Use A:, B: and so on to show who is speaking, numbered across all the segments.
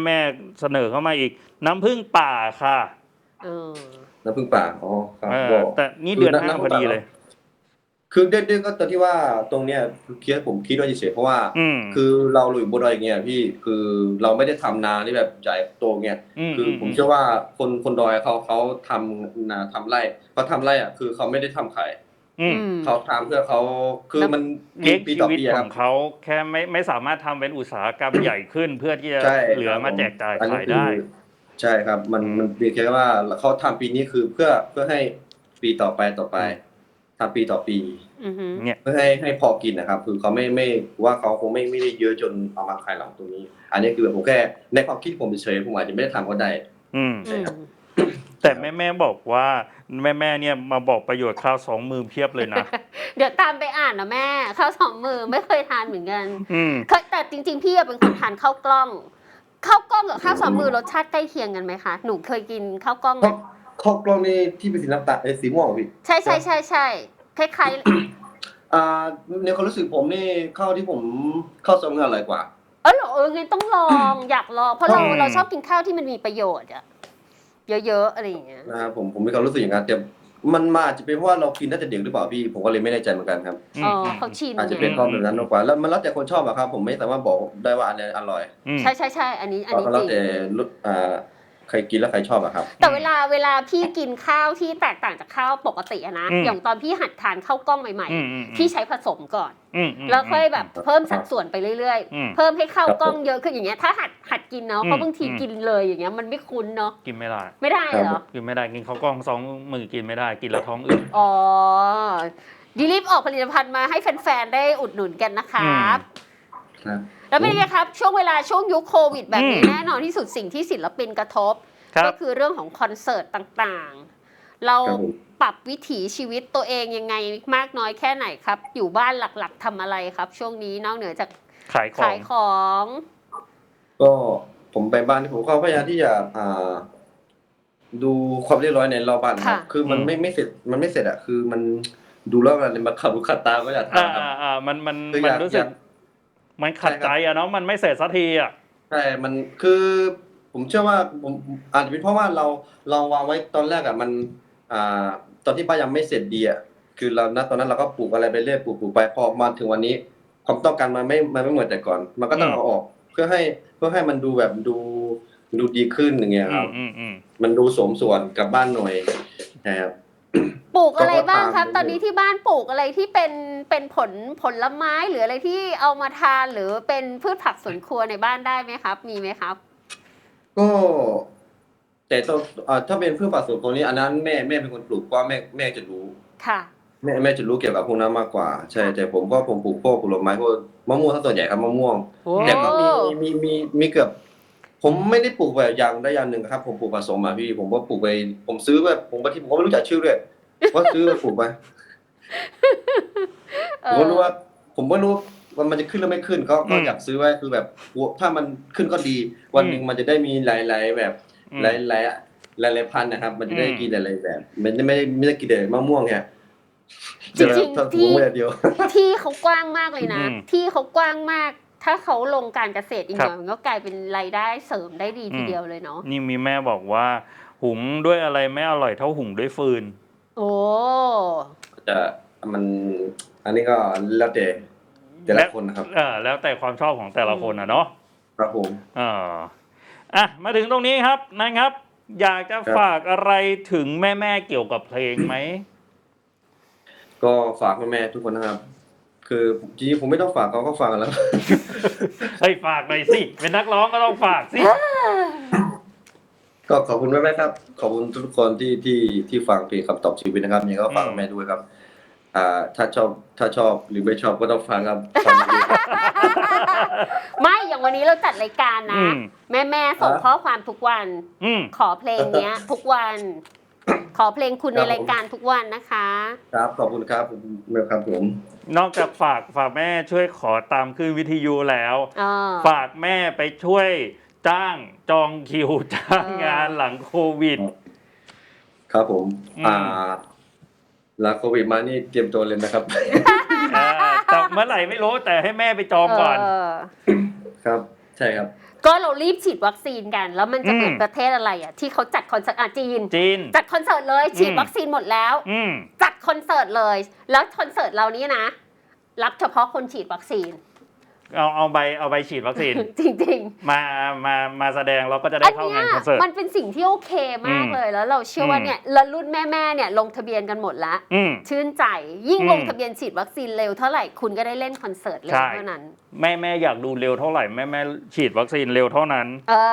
A: แม่เสนอเข้ามาอีกน้ำผึ้งป่าค่ะ
B: น้ำผึ้งป่าอ๋อครับ
A: แต่นี่เดือน5พอดีเลย
B: คือเด็กๆก็ตอนที่ว่าตรงเนี้ยผมคิดว่าเฉยๆเพราะว่าคือเราอยู่บนดอยอย่างเงี้ยพี่คือเราไม่ได้ทำนาที่แบบใหญ่โตเงี้ยคือผมเชื่อว่าคนดอยเขาทำนาทำไร่เขาทำไร่อ่ะคือเขาไม่ได้ทำขายเขาทำเพื่อเขาคือมัน
A: เลี้ยงชีวิตข
B: ครั
A: อบ งเขาแค่ไม่สามารถทำเป็นอุตสาหกรรมใหญ่ขึ้นเพื่อที่จะเหลือมาแจกจ่ายขายได้
B: ใช่ครับมันเพียงแค่ว่าเขาทำปีนี้คือเพื่อให้ปีต่อไปทำปีต่อปี
A: เนี่ย
B: เพื่อให้พอกินนะครับคือเขาไม่ว่าเขาคงไม่ได้เยอะจนเอามาขายหลังตรงนี้อันนี้คือผมแค่ในความคิดผมเฉยผมอาจจะไม่ได้ทำก็ได้ใช่ครับ
A: แต่แม่บอกว่าแม่เนี่ยมาบอกประโยชน์ข้าว2 มือเพียบเลยนะ
C: เดี๋ยวตามไปอ่านนะแม่ข้าว2 มือไม่เคยทานเหมือนกันแต่จริงๆพี่เป็นคนทานข้าวกล้องกับข้าว2 มือรสชาติใกล้เคียงกันไหมคะหนูเคยกินข้าวกล้องไหม
B: ข้าวกล้องนี่ที่เป็นสีน้ำตาลสีม่วงพี่
C: ใช่คล้าย
B: ในความรู้สึกผมนี่ข้าวที่ผมข้าว2 มืออร่อยกว่า
C: เหรองั้นต้องลองอยากลองเพราะเราชอบกินข้าวที่มันมีประโยชน์อะเยอะๆอะไรอย่างเงี้ย
B: นะครับผมมีความรู้สึกอย่างนั้นแต่มันมาอาจจะเป็นเพราะว่าเรากินตั้งแต่เด็กหรือเปล่าพี่ผมก็เลยไม่แน่ใจเหมือนกันครับ
C: เขาชิน
B: อาจจะเป็นเพราะแบบนั้นมากกว่าแล้วมันแล้วแต่คนชอบอะครับผมไม่สามารถบอกได้ว่าอันไหนอร่อย
C: ใช่อันนี้จริง
B: แล้วแต่ใครกินแล้วใครชอบอะครับ
C: แต่เวลาพี่กินข้าวที่แตกต่างจากข้าวปกติอะนะอย่างตอนพี่หัดทานข้าวกล้องใหม่ๆพี่ใช้ผสมก่อนแล้วค่อยแบบเพิ่มสัดส่วนไปเรื่อยๆเพิ่มให้ข้าวกล้องเยอะขึ้นอย่างเงี้ยถ้าหัดกินเนาะเพราะบางทีกินเลยอย่างเงี้ยมันไม่คุ้นเนาะ
A: กินไม่ได้
C: เหรอ
A: กินไม่ได้กินข้าวกล้อง2 มือกินไม่ได้กินแล้วท้องอืด
C: ดีรีบออกผลิตภัณฑ์มาให้แฟนๆได้อุดหนุนกันนะครับแล้วเป็นไงครับช่วงยุคโควิดแบบนี้แน่นอนที่สุดสิ่งที่ศิลปินกระทบก็คือเรื่องของคอนเสิร์ตต่างๆเราปรับวิถีชีวิตตัวเองยังไงมากน้อยแค่ไหนครับอยู่บ้านหลักๆทำอะไรครับช่วงนี้นอกเหนือจาก
A: ขาย
C: ของ
B: ก็ผมไปบ้านผมก็พยายามที่จะดูความเรียบร้อยในรอบบ้านครับคือมันไม่เสร็จอะคือมันดูแล้วมันมาขัดตาก็อยากทำครับ
A: มันรู้สึกมันขัดใจอะเนาะมันไม่เสร็จสักทีอะ
B: ใช่มันคือผมเชื่อว่าผมอาจจะเป็นเพราะว่าเราวางไว้ตอนแรกอะมันตอนที่บ้านยังไม่เสร็จดีอะคือเราณตอนนั้นเราก็ปลูกอะไรไปเรื่อยปลูกไปพอมาถึงวันนี้ความต้องการมันไม่เหมือนแต่ก่อนมันก็ต้องเอาออกเพื่อให้มันดูแบบดูดีขึ้นอย่างเงี้ยครับมันดูสมส่วนกับบ้านหน่อยนะครับ
C: ปลูกอะไรบ้างครับตอนนี้ที่บ้านปลูกอะไรที่เป็นผลไม้หรืออะไรที่เอามาทานหรือเป็นพืชผักสวนครัวในบ้านได้ไหมครับมีไหมครับ
B: ก็แต่ถ้าเป็นพืชผักสวนครัวนี้อันนั้นแม่เป็นคนปลูกว่าแม่จะรู้
C: ค่ะ
B: แม่จะรู้เกี่ยวกับพวกนั้นมากกว่าใช่แต่ผมปลูกพวกผลไม้พวกมะม่วงถ้าส่วนใหญ่ครับมะม่วงแต่ก็มีเกือบผมไม่ได้ปลูกแบบอย่างใดอย่างหนึ่งครับผมปลูกผสมอ่ะพี่ผมก็ปลูกไปผมซื้อแบบผมบางทีผมก็ไม่รู้จักชื่อด้วยว่าซื้อปลูกไปผมก็รู้ว่าว่ามันจะขึ้นหรือไม่ขึ้นก็อยากซื้อไว้คือแบบถ้ามันขึ้นก็ดีวันนึงมันจะได้มีหลายๆแบบหลายพันธุ์นะครับมันจะได้กินหลายๆแบบมันไม่ได้กินแต่มะม่วงเนี่ย
C: จริงๆที่เขากว้างมากเลยนะที่เขากว้างมากถ้าเขาลงการเกษตรอีกหน่อยมันก็กลายเป็นรายได้เสริมได้ดีทีเดียวเลยเนาะ
A: นี่มีแม่บอกว่าหุงด้วยอะไรไม่อร่อยเท่าหุงด้วยฟืน
B: จะมันอันนี้ก็แล้วแต่ละคนนะครับ
A: แล้วแต่ความชอบของแต่ละคนนะเนาะ
B: ครับผม
A: มาถึงตรงนี้ครับนะครับอยากจะฝากอะไรถึงแม่เกี่ยวกับเพลงไหม
B: ก็ฝากแม่ทุกคนนะครับคือจริงๆผมไม่ต้องฝากเขาก็ฟังกันแล้ว
A: ให้ฝากหน่อยสิเป็นนักร้องก็ต้องฝากสิ
B: ก็ขอบคุณแม่ครับขอบคุณทุกคนที่ฟังเพลงคำตอบชีวิตนะครับยังก็ฝากแม่ด้วยครับถ้าชอบหรือไม่ชอบก็ต้องฟังครับ
C: ไม่อย่างวันนี้เราจัดรายการนะแม่ส่งข้อความทุกวันขอเพลงเนี้ยทุกวันขอเพลงคุณในรายการทุกวันนะคะ
B: ครับขอบคุณครับเมื่อครับผม
A: นอกจากฝากแม่ช่วยขอตามขึ้นวิทยุแล้วฝากแม่ไปช่วยจ้างจองคิวจ้างงานหลังโควิด
B: ครับผมหลังโควิดมานี่เตรียมตัวเลยนะครับ
A: แต่เมื่อไหร่ไม่รู้แต่ให้แม่ไปจองก่อน
B: ครับใช่ครับ
C: ก็เรารีบฉีดวัคซีนกันแล้วมันจะเหมือนประเทศอะไรอ่ะที่เขาจัดคอนเสิร์ตจีนจัดคอนเสิร์ตเลยฉีดวัคซีนหมดแล้วจัดคอนเสิร์ตเลยแล้วคอนเสิร์ตเรานี้นะรับเฉพาะคนฉีดวัคซีน
A: เอาใบฉีดวัคซีน
C: จริง
A: ๆมาแสดงเราก็จะได้เข้างานคอนเสิร์ต
C: มันเป็นสิ่งที่โอเคมากเลยแล้วเราเชื่อว่าเนี่ยแล้วรุ่นแม่เนี่ยลงทะเบียนกันหมดแล้วชื่นใจยิ่งลงทะเบียนฉีดวัคซีนเร็วเท่าไหร่คุณก็ได้เล่นคอนเสิร์ตเร็วเท่านั้น
A: แม่อยากดูเร็วเท่าไหร่แม่ฉีดวัคซีนเร็วเท่านั้น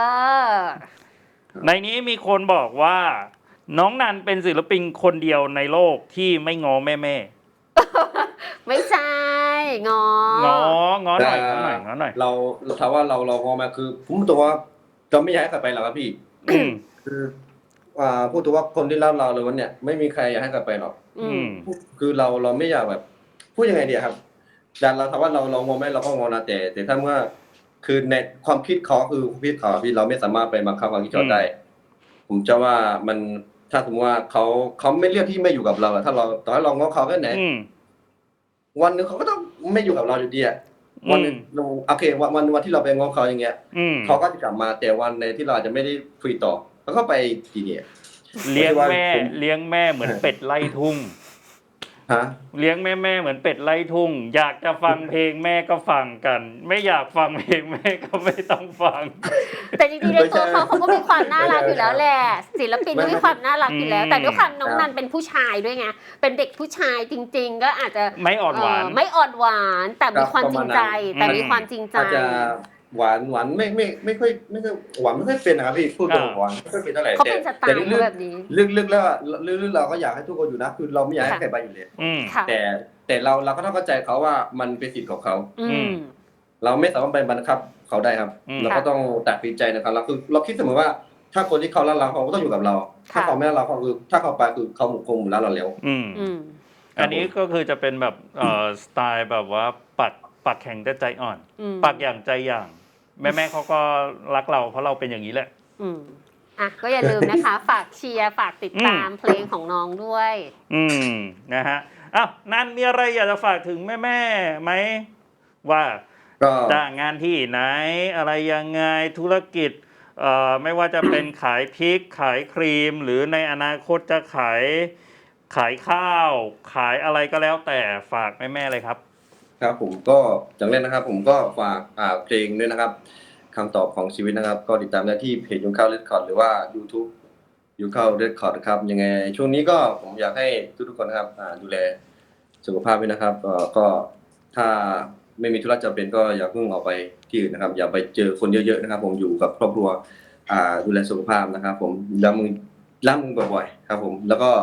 A: ในนี้มีคนบอกว่าน้องนันเป็นศิลปินคนเดียวในโลกที่ไม่ง้อแม่
C: ไม่ใช่ง้อห
A: น่อย
B: เราถามว่าเราง้อมาคือผมตัวว่าเราไม่อยากให้กลับไปหรอกครับพี่คือพูดตัวว่าคนที่เล่าเราเลยวันเนี้ยไม่มีใครอยากให้กลับไปหรอกคือเราไม่อยากแบบพูดยังไงดีครับแต่เราถามว่าเราง้อไหมเราก็ง้อนะแต่ถ้าเมื่อคือในความคิดเขาคือความคิดเขาพี่เราไม่สามารถไปบังคับความคิดเขาได้ผมจะว่ามันถ้าสมมติว่าเขาไม่เลือกที่ไม่อยู่กับเราถ้าเราต่อให้เราง้อเขาแค่ไหนวันนึงเขาก็ต้องไม่อยู่กับเราอยู่ดีอ่ะวันนึงโอเควันที่เราไปง้อเขาอย่างเงี้ยเขาก็จะกลับมาแต่วันในที่เราอาจจะไม่ได้คุยต่อแล้วก็ไปทีเนี่ย
A: เลี้ยงแม่เหมือนเป็ดไล่ทุ่งเลี้ยงแม่เหมือนเป็ดไล่ทุ่งอยากจะฟังเพลงแม่ก็ฟังกันไม่อยากฟังเพลงแม่ก็ไม่ต้องฟัง
C: แต่จริงๆในตัวเขาก็มีความน่ารักอยู่แล้วแหละศิลปินก็มีความน่ารักอยู่แล้วแต่ด้วยความน้องนันเป็นผู้ชายด้วยไงเป็นเด็กผู้ชายจริงๆก็อาจจะ
A: ไม่อ่อนห
C: วานแต่มีความจริงใจ
B: อาจจะหวานไม่ค่อยหวานไม่ค่อยเป็นนะครับพี่พูดตรงหวานไม่ค่อยเป็นเท่าไหร่
C: เขาเป็นสไตล์แบบนี้
B: ลึกๆแล้วลึกๆเราก็อยากให้ทุกคนอยู่นะคือเราไม่อยากให้ใครไปอยู่เลยแต่เราก็ต้องเข้าใจเขาว่ามันเป็นสิทธิ์ของเขาเราไม่สามารถไปบังคับเขาได้ครับเราก็ต้องตัดสินใจนะครับเราคิดเสมอว่าถ้าคนที่เขารักเราเขาก็ต้องอยู่กับเราถ้าเขาไม่รักเราเขาคือถ้าเขาไปคือเขาคงรักเราแล้ว
A: อันนี้ก็คือจะเป็นแบบสไตล์แบบว่าปักแข็งแต่ใจอ่อนปักอย่างใจอย่างแม่เขาก็รักเราเพราะเราเป็นอย่างนี้แหละ
C: ก็อย่าลืมนะคะฝากเชียร์ฝากติดตามเพลงของน้องด้วย
A: นะฮะนั่นมีอะไรอยากจะฝากถึงแม่ไหมว่าจ้างงานที่ไหนอะไรยังไงธุรกิจไม่ว่าจะเป็นขายพริกขายครีมหรือในอนาคตจะขายข้าวขายอะไรก็แล้วแต่ฝากแม่เลยครับ
B: ครับผมก็อย่างแรกนะครับผมก็ฝากเพลงด้วยนะครับคำตอบของชีวิตนะครับก็ติดตามได้ที่เพจยุงข้าวเรคคอร์ดหรือว่า YouTube ยุงข้าวเรคคอร์ดครับยังไงช่วงนี้ก็ผมอยากให้ทุกคนนะครับดูแลสุขภาพด้วยนะครับก็ถ้าไม่มีธุระจำเป็นก็อย่าเพิ่งออกไปที่อื่นนะครับอย่าไปเจอคนเยอะๆนะครับผมอยู่กับครอบครัวดูแลสุขภาพนะครับผมล้างมือบ่อยๆครับผมแล้วก็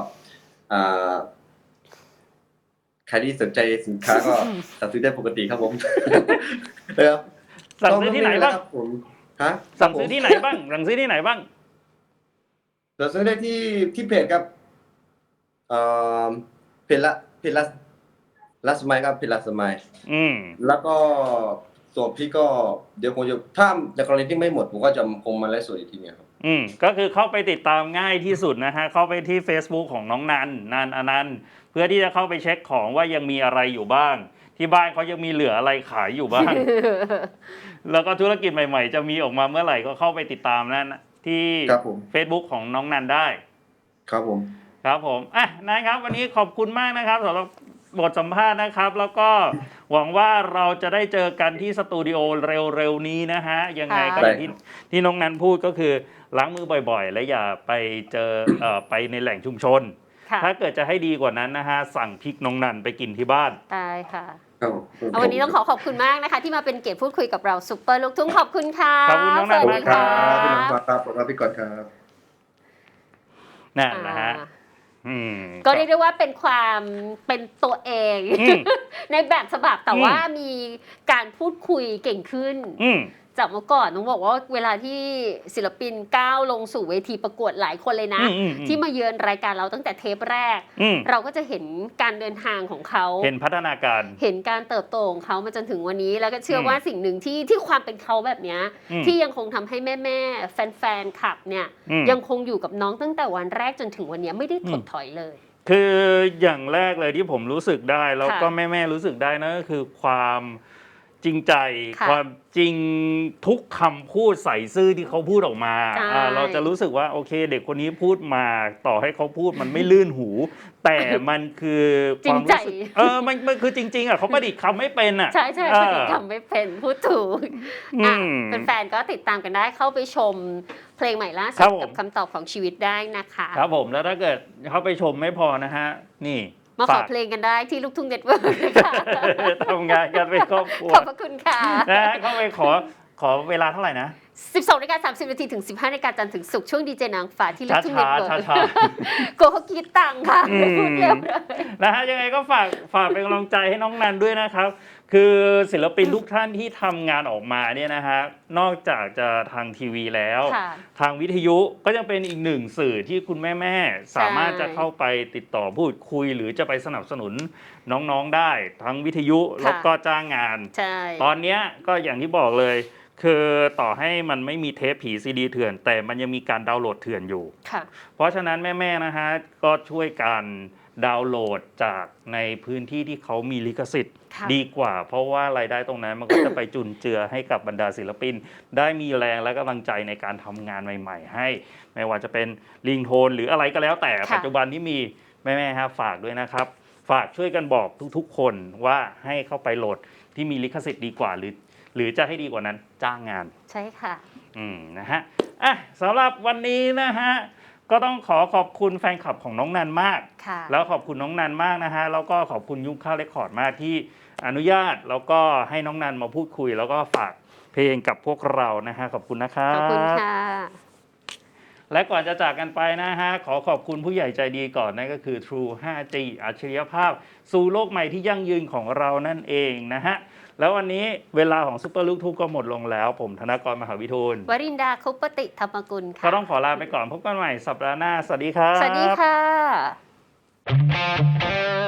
B: ใครที่สนใจสินค้าก็สั่งซื้อได้ปกติครับผม
A: สั่งซื้อที่ไหนบ้างสั่งซื้อที่ไหนบ้างสั่งซื้อที่ไหนบ้าง
B: สั่งซื้อได้ที่เพจครับเพจละสมัยครับเพจละสมัยแล้วก็ส่วนพี่ก็เดี๋ยวผมจะถ้าในกรณีที่ไม่หมดผมก็จะคงมาไลฟ์สดอีกทีนึงครับ
A: ก็คือเข้าไปติดตามง่ายที่สุดนะฮะเข้าไปที่ Facebook ของน้องนันอนันต์เพื่อที่จะเข้าไปเช็คของว่ายังมีอะไรอยู่บ้างที่บ้านเขายังมีเหลืออะไรขายอยู่บ้าง แล้วก็ธุรกิจใหม่ๆจะมีออกมาเมื่อไหร่ก็เข้าไปติดตามนั่นที่ Facebook ของน้องนันได้
B: ครับผม
A: นะครับวันนี้ขอบคุณมากนะครับสำหรับบทสัมภาษณ์นะครับแล้วก็หวังว่าเราจะได้เจอกันที่สตูดิโอเร็วๆนี้นะฮะยังไงก็ที่น้องนันพูดก็คือล้างมือบ่อยๆและอย่าไปเจอไปในแหล่งชุมชนถ้าเกิดจะให้ดีกว่านั้นนะฮะสั่งพริกน้องนันไปกินที่บ้าน
C: ได้ค่ะวันนี้ต้องขอบคุณมากนะคะที่มาเป็นเกียรติพูดคุยกับเราซุปเปอร์ลูกทุ่งขอบคุณค่ะ
A: ขอบคุณน้องนันมากครับ
B: พี่น้องครับขอบคุณพี่ก่อนครับ
A: นั่นนะฮะ
C: ก็เรียกได้ว่าเป็นความเป็นตัวเองในแบบฉบับแต่ว่ามีการพูดคุยเก่งขึ้นจากเมื่อก่อนต้องบอกว่าเวลาที่ศิลปินก้าวลงสู่เวทีประกวดหลายคนเลยนะที่มาเยือนรายการเราตั้งแต่เทปแรกเราก็จะเห็นการเดินทางของเขา
A: เห็นพัฒนาการ
C: เห็นการเติบโตของเขามาจนถึงวันนี้แล้วก็เชื่อว่าสิ่งหนึ่งที่ความเป็นเขาแบบนี้ที่ยังคงทำให้แม่แฟนคลับเนี่ยยังคงอยู่กับน้องตั้งแต่วันแรกจนถึงวันนี้ไม่ได้ถดถอยเลย
A: คืออย่างแรกเลยที่ผมรู้สึกได้แล้วก็แม่รู้สึกได้นะก็คือความจริงใจ
C: ค่ะ
A: ความจริงทุกคำพูดใส่ซื่อที่เขาพูดออกมา
C: ใช่
A: เราจะรู้สึกว่าโอเค เด็กคนนี้พูดมาต่อให้เขาพูดมันไม่ลื่นหู แต่มันคือความรู้สึกมันคือจริงๆเขาประดิษฐ์คำไม่เป็นอ่ะ
C: ใช่ใช่ประดิษฐ์คำไม่เป็นพูดถูก
A: อืม
C: แฟนๆก็ติดตามกันได้เข้าไปชมเพลงใหม่ล่า
A: ครั
C: สุด
A: บผม
C: กับคำตอบของชีวิตได้นะคะ
A: ครับผมแล้วถ้าเกิดเขาไปชมไม่พอนะฮะ นี่
C: มาขอ
A: ฝาก
C: เพลงกันได้ที่ลูกทุ่งเน็ตเวิร์กนะคะ
A: ทำงานกันเป็นครอบครัว
C: ขอบพระคุณค่ะ
A: นะฮะเข้าไปขอเวลาเท่าไหร่นะ
C: 12:30 นาทีถึง 15 นาฬิกาจันทร์ถึงศุกร์ช่วงดีเจนางฟ้าที่ลูกทุ่งเน็ตเวิร์ก
A: ช้า
C: กลัวเขาคิดตังค่ะไม่พูดเร็วเลย
A: นะฮะยังไงก็ฝากเป็นกำลังใจให้น้องนันด้วยนะครับ คือศิลปินทุกท่านที่ทำงานออกมาเนี่ยนะฮะนอกจากจะทางทีวีแล้ว
C: ค่ะ
A: ทางวิทยุก็ยังเป็นอีกหนึ่งสื่อที่คุณแม่ๆสามารถจะเข้าไปติดต่อพูดคุย หรือจะไปสนับสนุนน้องๆได้ทั้งวิทยุแล้วก็จ้างงาน
C: ใช่
A: ตอนเนี้ยก็อย่างที่บอกเลย คือต่อให้มันไม่มีเทปผีซีดีเถื่อน แต่มันยังมีการดาวน์โหลดเถื่อนอยู่
C: ค่ะ
A: เพราะฉะนั้นแม่ๆนะฮะก็ช่วยกันดาวน์โหลดจากในพื้นที่ที่เขามีลิขสิทธิ์
C: ค่ะ
A: ดีกว่า เพราะว่ารายได้ตรงนั้นมันก็จะไปจุนเจือให้กับบรรดาศิลปิน ได้มีแรงและกำลังใจในการทำงานใหม่ๆ ให้ ไม่ว่าจะเป็นลิงโทนหรืออะไรก็แล้วแต่
C: ค่ะ
A: ปัจจุบันที่มีแม่ๆฮะฝากด้วยนะครับ ฝากช่วยกันบอกทุกๆ คนว่าให้เข้าไปโหลดที่มีลิขสิทธิ์ดีกว่า หรือจะให้ดีกว่านั้นจ้างงาน
C: ใช่ค่ะ
A: นะฮะอ่ะสำหรับวันนี้นะฮะก็ต้องขอบคุณแฟนคลับของน้องนันมาก
C: ค่ะ
A: แล้วขอบคุณน้องนันมากนะฮะแล้วก็ขอบคุณยุคข้าวเรคคอร์ดมากที่อนุญาตแล้วก็ให้น้องนันมาพูดคุย แล้วก็ฝากเพลงกับพวกเรานะฮะขอบคุณนะครับ
C: ขอบคุณค่ะ
A: และก่อนจะจากกันไปนะฮะขอบคุณผู้ใหญ่ใจดีก่อนนั่นก็คือ True 5G อัจฉริยภาพ สู่โลกใหม่ที่ยั่งยืนของเรานั่นเองนะฮะแล้ววันนี้เวลาของซุปเปอร์ลูกทุ่งก็หมดลงแล้ว ผมธนกรมหาวิทูล
C: วรินดาคุปติธรรมกุลค่ะ
A: ก็ต้องขอลาไปก่อนพบกันใหม่สัปดาห์หน้า สวัสดีครับ
C: สวัสดีค่ะ